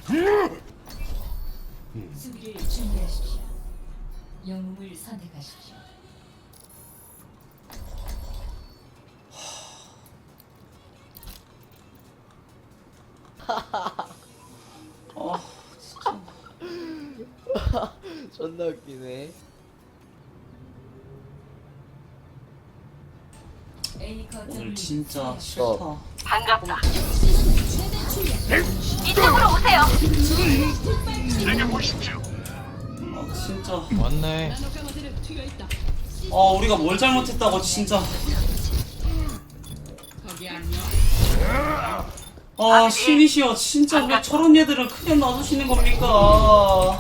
수비를 준비하십시오. 영웅을 선택하십시오. 아 진짜 존나 웃기네. A 거점을 오늘 진짜 싫다. 반갑다. 이쪽으로 오세요. 아 진짜 왔네. 아 우리가 뭘 잘못했다고 진짜. 아 신이시여 진짜 왜 저런 얘들을 그냥 놔두시는 겁니까? 아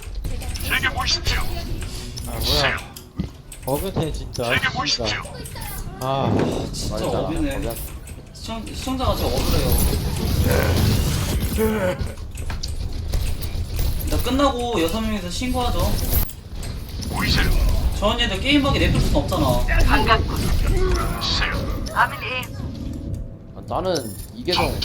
뭐야? 버그네 진짜. 진짜. 아 진짜 맞아. 어비네. 시청자가 진짜 억울해요. 나 끝나고 6명이서 신고하죠. 저런 얘들 게임하게 냅둘 순 없잖아. 반갑군. 아밀리. 아, 나는 이계성.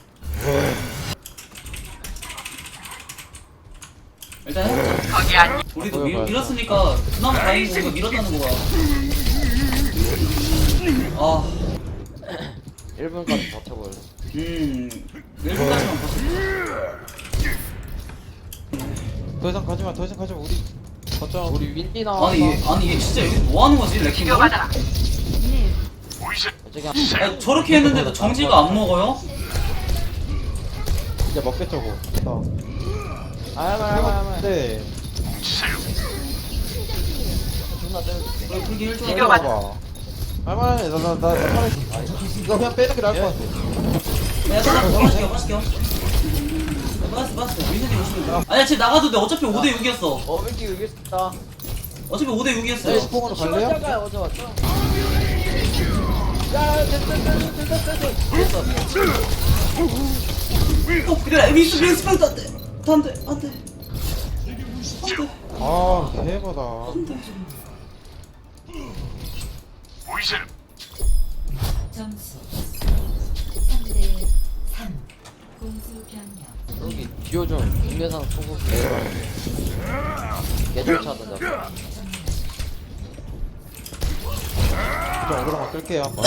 일단 해보자. 거기 아니. 우리도 보여봐야죠. 밀었으니까 그나마 다행이고 이거 밀었다는 거야. 아 1분까지 버텨볼래. 1분까지만 버텨. 더 이상 가지마. 더 이상 가지마. 우리 거점. 우리 윈디 나와서 아니 얘 진짜 여기 뭐 하는 거지 레킹볼? 이겨받아라. 저기 한 아, 저렇게 했는데도 정지가 안 먹어요? 이제 먹겠죠 고. 알만. 네. 존나 때려줄게. 그래 그렇게 힐 좀 이거 해봐. 맞아. 할만해. 나 이거 그냥 빼는 게 나을 것 같아. 야 잠깐 빠질게요. 빠졌어 민선이 오시면 돼. 아니야 지금 나가도 돼. 어차피 5대6이었어. 윈디 이길 수 있다. 어차피 5대6이었어요. 네, 스포으로 갈래요? 시원자가 어제 왔죠? 야 됐어. 그래 미스 안돼. 아 대박다. 점수 3대 3. 공수 변경. 여기 듀오 좀 국내산 소고기 개쩔 차던데. 좀 오그라만 끌게요 한번.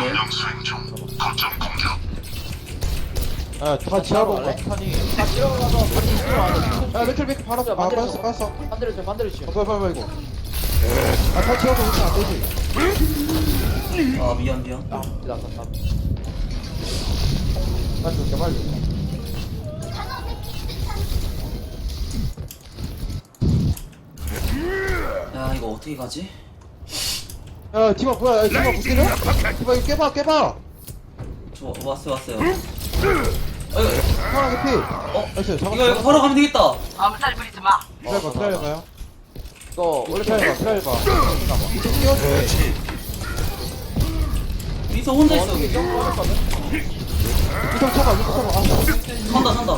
다 지하로 온거 탄이. 다 들어가서 반지 들어가서 야 맥클 바로 아 빠졌어. 반대로 치워. 빨리 이거. 다 지하로 오면 안 되지. 아 미안. 나 빨리 줄게 빨리. 야 이거 어떻게 가지? 야 디바 뭐야? 야 디바 못 때려? 디바 이거 깨봐. 저 왔어요. 하나 개피. 나이스 이거 잡았어. 바로 가면 되겠다. 엄살 부리지 마. 트라이봐요. 이거 원래 트라이봐. 이쪽 뛰어줘. 민서 혼자 있어 여기. 이쪽 쳐봐. 아, 산다.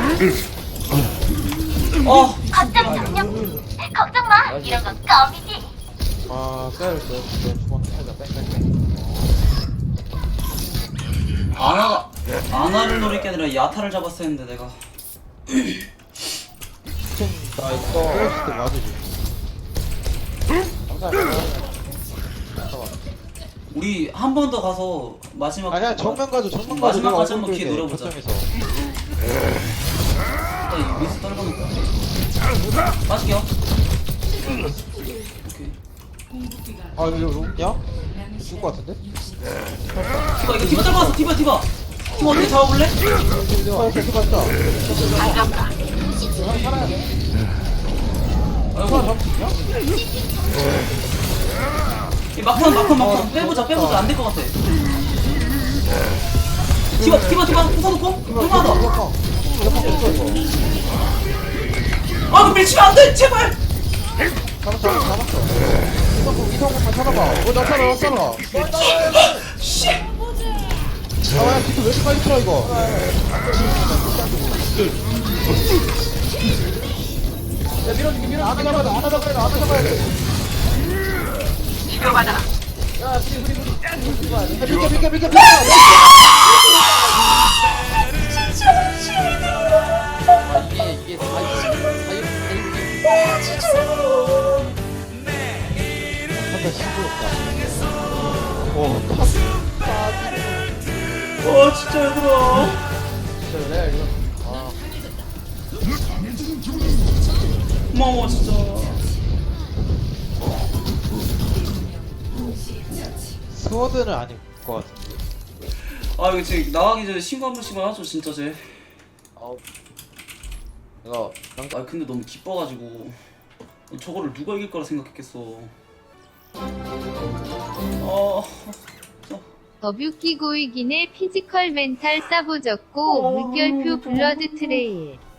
어. 거점 점령. 걱정 마. 이런 건 껌이지. 아 빼야 돼. 주먹 살짝 뺑뺑뺑. 아나를 노릴 게 아니라 야타를 잡았어야 했는데 내가. 나 이거 때렸을 때 맞으지. 우리 한 번 더 가서 마지막. 아니야 정면 가죠. 마지막까지 한번 기회 노려보자. 거점에서. 이 미스 떨궈놓고. 빠질게요. 오케이. 아 이거 야? 죽을 것 같은데? 디바 떨궈놨어. 디바. 디바 어떻게 잡아볼래? 이렇게 봤다. 반갑다. 아이고. 이 막판 빼보자 안 될 것 같아. 디바 부숴놓고 얼마나 그 밀치면 안돼 제발. 잡았어. 이성만 찾아봐. 나 찾아. 씨. 야 지금 왜 이렇게 빨리 풀어 이거? 야 밀어줄게. 안 잡아야 돼. 이겨받아라. 야 비켜. 고마워 진짜. 스워드는 아닐 것 같은데. 아 이거 지금 나가기 전에 신고 한 번씩만 하죠 진짜 쟤. 이거 아 근데 너무 기뻐가지고 저거를 누가 이길 거라 생각했겠어. 아 더뷰 끼고 이기네 피지컬 멘탈 싸보졌고 물결표 블러드 트레일